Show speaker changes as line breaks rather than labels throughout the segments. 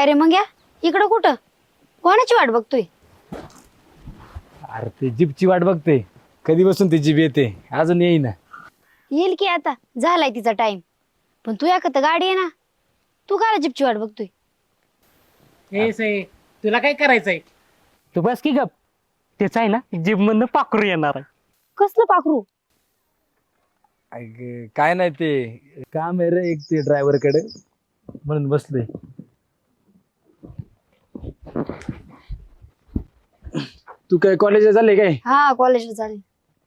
काय रे मग या इकडं कुठं कोणाची वाट बघतोय?
अरे ते जीपची वाट बघते. कधी बसून ती जीप येते अजून येईना.
येईल की आता झालाय तिचा टाइम. पण तू या गाडी आहे ना, तू काय जिपची वाट बघतोय?
हे से तुला काय करायचंय?
तू बस की गप. त्याच आहे ना जीप मधनं पाखरू येणार आहे.
कसलं पाखरू?
अगं, काय नाही ते काम आहे रे एक ते ड्रायव्हर कडे म्हणून बसलोय. तू काय कॉलेजला चालले काय?
हा कॉलेजला चालेल.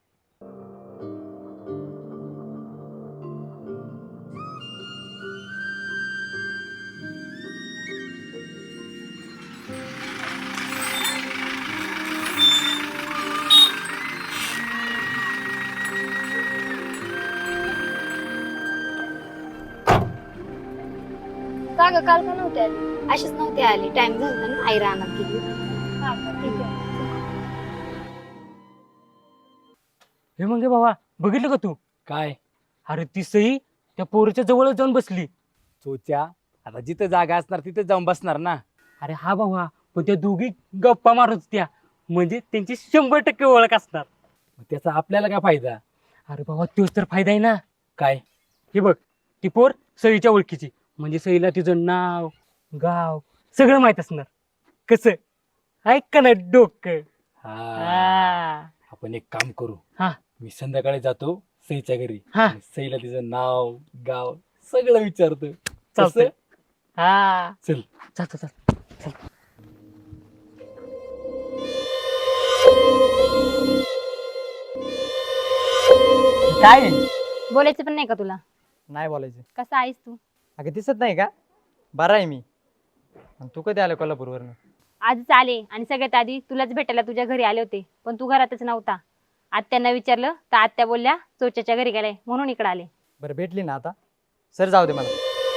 का ग काल का नव्हते आली? अशीच नव्हती आली, टाइम झाला ना, आई रानात गेली. हा का, ठीक आहे.
हे मग बाबा बघितलं का तू?
काय
अरे ती सई त्या पोरीच्या जवळच जाऊन बसली.
चोच्या आता जिथं जागा असणार तिथे जाऊन बसणार ना.
अरे हा बाबा, पण त्या दोघी गप्पा मारत होत्या, म्हणजे त्यांची 100% ओळख असणार.
मग त्याचा आपल्याला काय फायदा?
अरे बाबा तोच तर फायदा आहे ना.
काय
हे बघ, ती पोर सईच्या ओळखीची, म्हणजे सईला तिचं नाव गाव सगळं माहित असणार. कसं ऐक का ना डोकं.
हा,
हा.
आपण एक काम करू.
हा.
मी संध्याकाळी जातो सईच्या घरी
हा.
आणि सईला तिचं नाव गाव सगळं विचारतो.
चालतंय.
कसं?
हा
चल.
चालतं.
काय आहे?
बोलायचं पण नाही का तुला?
नाही बोलायचं.
कसा आहेस तू?
अगं दिसत नाही का? बरा आहे मी. आणि तू कधी आला कोल्हापूरवरनं?
आजच आले आणि सगळ्यात आधी तुलाच भेटायला तुझ्या घरी आले होते, पण तू घरातच नव्हता. आत्यांना विचारलं तर आत्या बोलल्या चोच्याच्या घरी गेलाय, म्हणून इकडे आले.
बरं भेटली ना आता? सर जाऊ दे मला.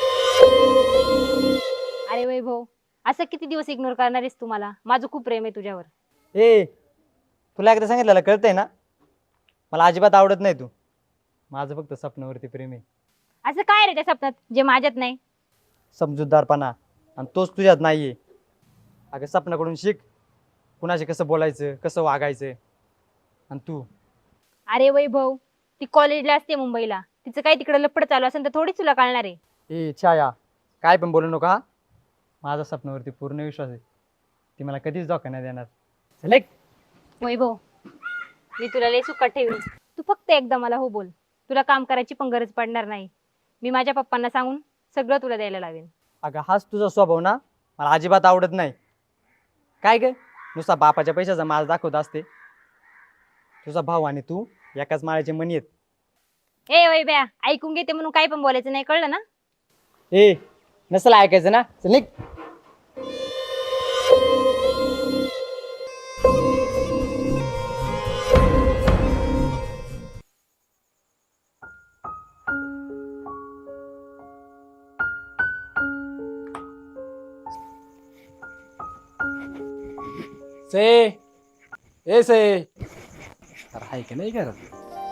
अरे वैभव, असं किती दिवस इग्नोर करणार आहेस तू मला? माझं खूप प्रेम आहे तुझ्यावर.
ए, तुला एकदा सांगितलेलं कळतंय ना? मला अजिबात आवडत नाही तू. माझं फक्त स्वप्नावरती प्रेम आहे.
असं काय रे त्या स्वप्नात जे माझ्यात नाही?
समजूतदारपणा, आणि तोच तुझ्यात नाहीये. अगं स्वप्नाकडून शिक, कुणाशी कसं बोलायचं, कसं वागायचं. आणि तू
अरे वैभव, ती कॉलेजला असते मुंबईला, तिचं काही तिकडे लपड चालू असेल तर थोडीच तुला कळणार आहे.
ए छाया, काय पण बोलू नका. माझा स्वप्नावरती पूर्ण विश्वास आहे. ती मला कधीच धोका नाही देणार. चल एक.
वैभव, मी तुला लय सुखात ठेवीन. तू फक्त एकदा मला हो बोल. तुला काम करायची पण गरज पडणार नाही. मी माझ्या पप्पांना सांगून सगळं तुला द्यायला लावेन.
अगं हाच तुझा स्वभाव ना मला अजिबात आवडत नाही. काय ग, नुसता बापाच्या पैशाचा माल दाखवत असते. तुझा भाऊ आणि तू एकाच माळ्याचे मणी आहेत.
ए वैभ्या, ऐकून घेते म्हणून काय पण बोलायचं नाही, कळलं ना?
ए, नसेल ऐकायचं ना, चल निघ.
से ए से अरे हाय का नाही करत?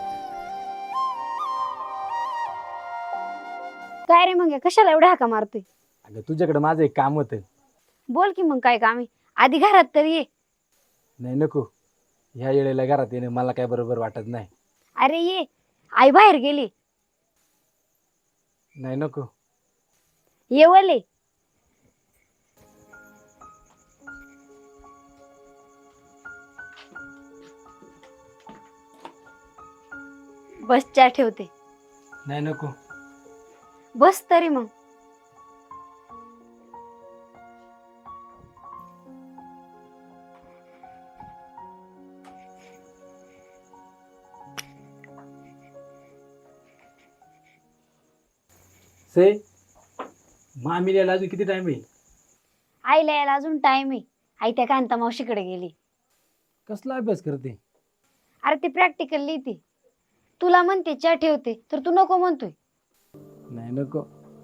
काय रे मग कशाला एवढा हाका मारतोय?
अगं तुझ्याकडे माझं एक काम होतं.
बोल की मग काय काम आहे? आधी घरात तर ये.
नाही नको, ह्या वेळेला घरात येणं मला काय बरोबर वाटत नाही.
अरे ये, आई बाहेर गेली.
नाही नको.
ये वले. बस चहा ठेवते.
नाही नको.
बस तरी मग.
से मामी यायला अजून किती टाइम आहे?
आईला यायला अजून टाइम आहे. आई त्या कांता मावशीकडे गेली.
कसला अभ्यास करते?
अरे ती प्रॅक्टिकल लिहिते. तुला म्हणते चहा ठेवते तर तू नको म्हणतोय.
नाही नको.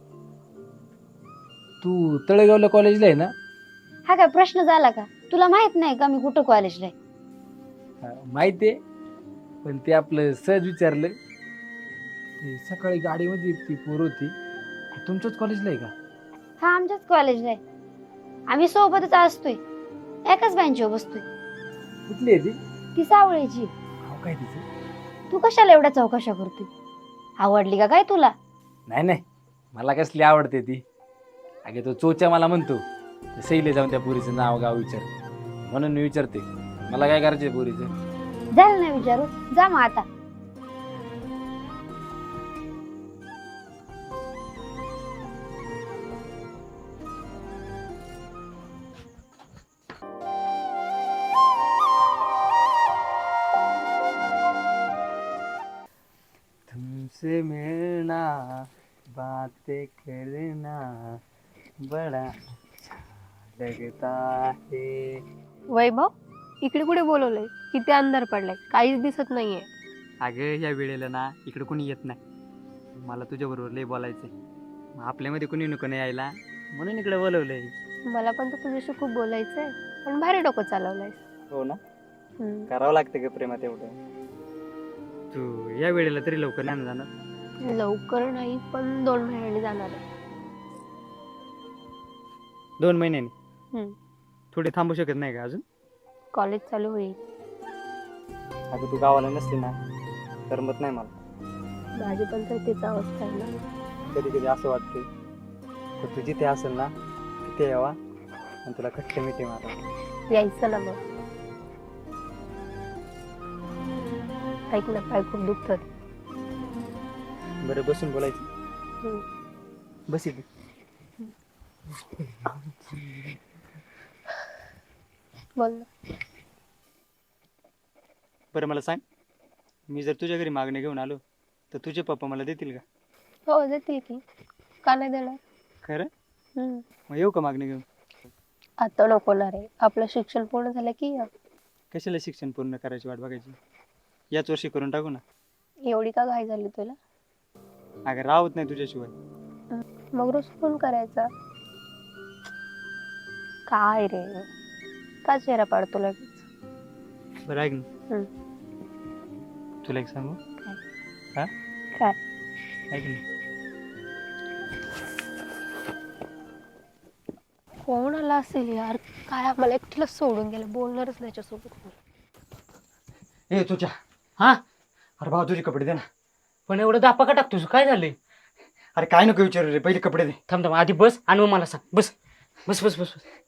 तू तळेगावला कॉलेजला आहे ना?
हा काय प्रश्न झाला का? तुला माहित नाही का मी कुठं कॉलेजला आहे?
माहिती आहे, पण ते आपलं सहज विचारलं. ते सकाळी गाडीमध्ये ती पोर होती. तुमच्याच कॉलेजला आहे का?
हा आमच्याच कॉलेजला आहे. आम्ही सोबतच असतोय, एकाच बेंचवर बसतोय.
कुठली आहे ती?
ती सावळीची.
नाव काय तिचं?
तू कशाला एवढ्या चौकशा करतोय? आवडली का काय तुला?
नाही नाही, मला कसली आवडते ती. अगे तो चोच्या मला म्हणतो सैले जाऊन त्या पोरीचं नाव गाव विचार, म्हणून मी विचारते. मला काय करायचंय पोरीचं?
झालं नाही विचारू, जा मग आता.
तुमसे मिळना बातें करना बडा लगता है.
वैभव, इकडे कुठे बोलवलंय? किती अंधार पडलाय, काहीच दिसत नाहीये.
अगं या वेळेला ना इकडे कोणी येत नाही. मला तुझ्याबरोबर लय बोलायचंय. आपल्यामध्ये कोणी नको नाही यायला, म्हणून इकडे बोलवलंय.
मला पण तर तुझ्याशी खूप बोलायचंय, पण भारी डोकं चालवलंय.
हो ना, करावं लागतं ग प्रेमात एवढं. तू या वेळेला तरी लवकर नाही ना जाणार?
लवकर नाही, पण 2 महिन्यांनी जाणार आहे.
2 महिन्यांनी?
हम्म.
थोडी थांबू शकत नाही का अजून?
कॉलेज चालू होईल.
अगं तू गावाला नसली ना करमत नाही मला.
माझी पण तर तीच अवस्था आहे ना.
कधी कधी असं वाटते तर तू जिथे असेल ना तिथे यावा आणि तुला खट्ट मिठी मारा.
यायचं ना मग. ऐक ना, पाय खूप दुखतात.
बरं बसून बोलायचं. बस इथे.
बोल ना.
बरं मला सांग, मी जर तुझ्या घरी मागणी घेऊन आलो तर तुझे पप्पा मला देतील का?
हो, देतील की. का नाही देणार?
खरं?
हम्म.
मग येऊ का मागणी घेऊन?
आता नको ना रे, आपलं शिक्षण पूर्ण झालं की ये.
कशाला शिक्षण पूर्ण करायची वाट बघायची? याच वर्षी करून टाकू ना.
एवढी का घाई झाली तुला?
अगं राहत नाही तुझ्याशिवाय.
मग रोज फोन करायचा. काय रे, का चेहरा पाडतो लगेच?
बरं ऐक ना, तुला एक सांगू? हा?
काय?
ऐक ना,
कोण आला असेल यार? काय आम्हाला एकटीला सोडून गेलं, बोलणारच नाही त्याच्यासोबत.
ए तुझ्या,
हा,
अरे भाऊ तुझे कपडे दे ना.
पण एवढं दापा का टाकतोस? काय झालंय?
अरे काय नको विचारू रे, पहिले कपडे दे.
थांब थांब, आधी बस आणि मग मला सांग. बस बस बस बस बस.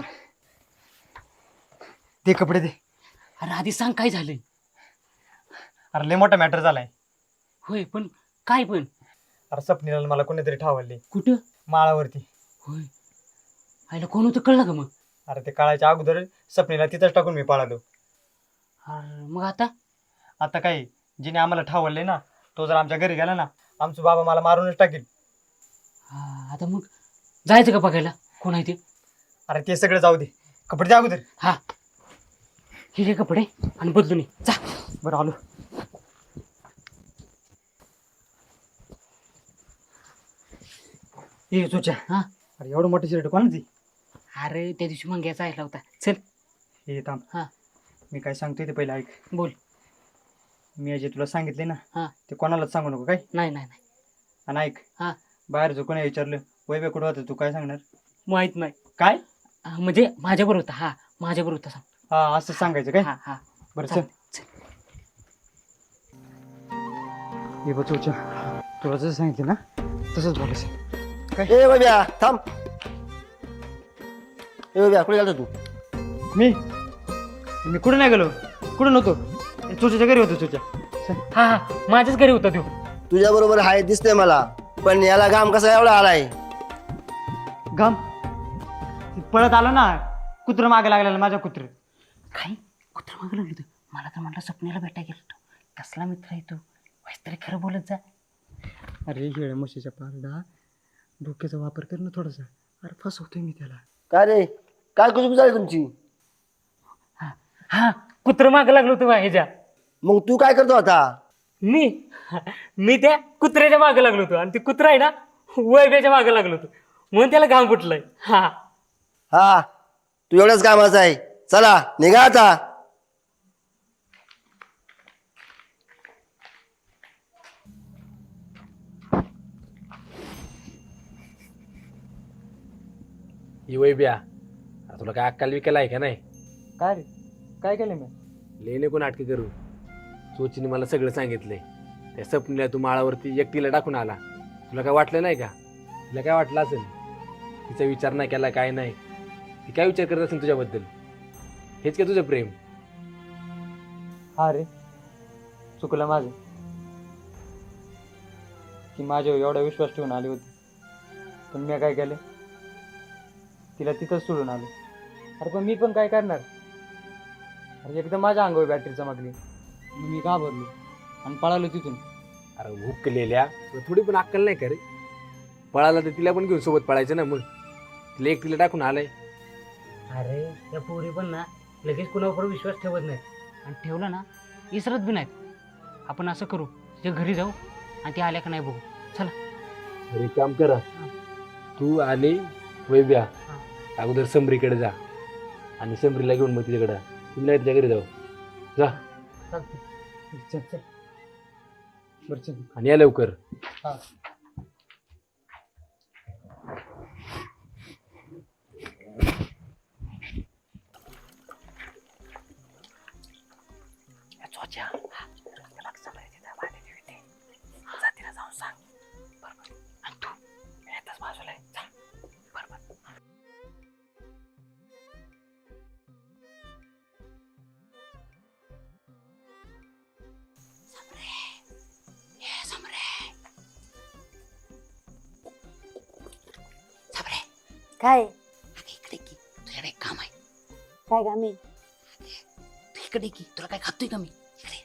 ते कपडे दे.
अरे आधी सांग काय झालंय?
अरे लय मोठा मॅटर झालाय.
होय, पण काय पण?
अरे सपनीला मला कोणीतरी ठावले
कुठं?
माळावरती.
होय, आईला कोण होतं कळलं का मग?
अरे ते काळाच्या अगोदर सपनीला तिथंच टाकून मी पळालो.
अरे मग आता?
आता काय, जिने आम्हाला ठावले ना तो जर आमच्या घरी गेला ना, आमचं बाबा मला मारूनच टाकेल.
आता मग जायचं का बघायला कोण आहे ते?
अरे ते सगळं जाऊ दे, कपडे द्या अगोदर.
हा, हे कपडे आणि बदलून ये. जा.
बरं आलो. ए तुझ्या,
हा,
अरे एवढं मोठं शर्ट कोणाची?
अरे त्या दिवशी मंग्याचा ऐकला होता. चल.
हे थांब,
हा,
मी काय सांगतोय ते पहिलं ऐक.
बोल.
मी जे तुला सांगितले ना
हा,
ते कोणालाच सांगू नको काय.
नाही नाही नाही.
आणि ऐक,
हा,
बाहेर जो कोणी विचारलं वय कुठं होतं तू काय सांगणार?
माहित नाही.
काय?
म्हणजे माझ्याबरोबर होता. हा, माझ्याबरोबर होता सांग.
हा असं सांगायचं काय?
हा हा.
बरं
चल,
चल. हे बघ तुझ्या, तुला जसं सांगितलं ना तसंच बोलायचं. काय?
ए बाब्या थांब. ए बाब्या कुठे गेला तू?
मी कुठं नाही गेलो, कुठं नव्हतो. तुझ्या घरी होतो तुझ्या.
हा हा, माझ्याच घरी होता तो.
तुझ्या बरोबर हाय दिसतंय मला, पण याला घाम कसा एवढा आलाय?
घाम पळत आलो ना, कुत्रं मागे लागलेलं माझ्या कुत्र.
काय कुत्र मागं लागलं होतं? मला तर म्हटलं स्वप्नीला भेटायला गेलो तो. कसला मित्र आहे तू? वाईस तरी खरं बोलत जा.
अरे हेळ म्हशीच्या पारडा, डोक्याचा वापर कर ना थोडासा. अरे फसवतोय मी त्याला.
काय रे, काय कुजबूज झाली तुमची?
हा हा, कुत्र मागं लागलो होतं ह्याच्या.
मग तू काय करतो आता?
मी त्या कुत्र्याच्या मागं लागलो होतो आणि ते कुत्रा आहे ना वैभ्याच्या मागं लागलो होतो, म्हणून त्याला घाम फुटलंय. हा
हा, तू एवढंच कामाचा आहे. चला निघा आता.
ही वैब्या तुला काय अक्कल विकायला आहे का नाही?
काय रे काय केलं मी?
लेणे कोण नाटकं करू. चोचीने मला सगळं सांगितलंय. त्या सपनीला तू माळावरती एकटीला टाकून आला. तुला काय वाटलं नाही का? तिला काय वाटलं असेल? तिचा विचार नाही केला काय नाही. ती काय विचार करत असेल तुझ्याबद्दल? हेच का तुझं प्रेम?
हा रे चुकलं माझं की माझ्यावर एवढा विश्वास ठेवून आली होती, पण मी काय केलं, तिला तिथंच सोडून आलो. अरे पण मी पण काय करणार? अरे एकदम माझ्या अंगावर बॅटरी चमकली, मी घाबरलो आणि पळालो तिथून.
अरे हुकलेल्या तुला थोडी पण अक्कल नाही का रे? पळाला तर तिला पण घेऊन सोबत पळायचं ना. मग तिला एकटीला टाकून आलाय.
अरे त्या पोरी पण ना लगेच कुणावर विश्वास ठेवत नाहीत, आणि ठेवला ना इसरत बी नाहीत. आपण असं करू, तिच्या घरी जाऊ आणि ती आल्या का नाही बघू. चला.
अरे काम करा, तू आणि वैभ्या अगोदर समरीकडे जा आणि समरीला घेऊन मग तिच्याकडे तुम्ही तिच्या घरी जाऊ. जा
चल चल बरं चल.
आणि या लवकर.
हा.
काय
इकडे की तुझ्याकडे एक काम आहे.
काय काम आहे?
तू इकडे की तुला काय खातोय का मी? इकडे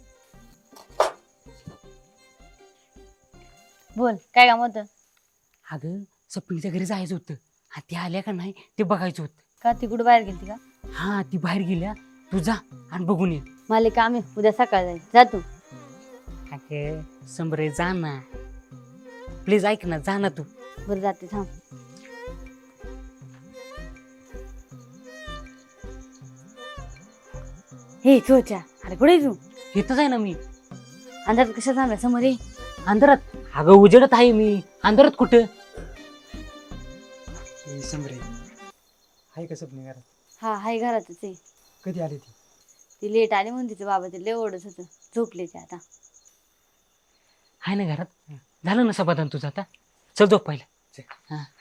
बोल, काय काम होतं?
अगं सपनीच्या घरी जायचं होतं, आणि ती आल्या का नाही ते बघायचं होतं.
का ती कुठं बाहेर गेली का?
हा ती बाहेर गेल्या, तू जा आणि बघून ये.
मला काम आहे, उद्या सकाळ जाईल. जा तू.
अगं समरे जा ना, प्लीज ऐक ना, जा ना तू.
बरं जाते, थांब. हे चोच्या, अरे कुठे तू?
इथंच आहे ना मी.
अंधारात कशा थांबला? समोर ये.
अंधारात? अगं उजेडत आहे मी. अंधारात कुठं?
समरे आहे कसं पण घरात?
हा हाय, घरातच आहे.
कधी आली ती?
ती लेट आली म्हणून तिचं बाबा ते लय ओढत होतं. झोपले ते आता.
आहे ना घरात. झालं ना समाधान तुझं आता? चल झोप पहिलं.
चल.
हा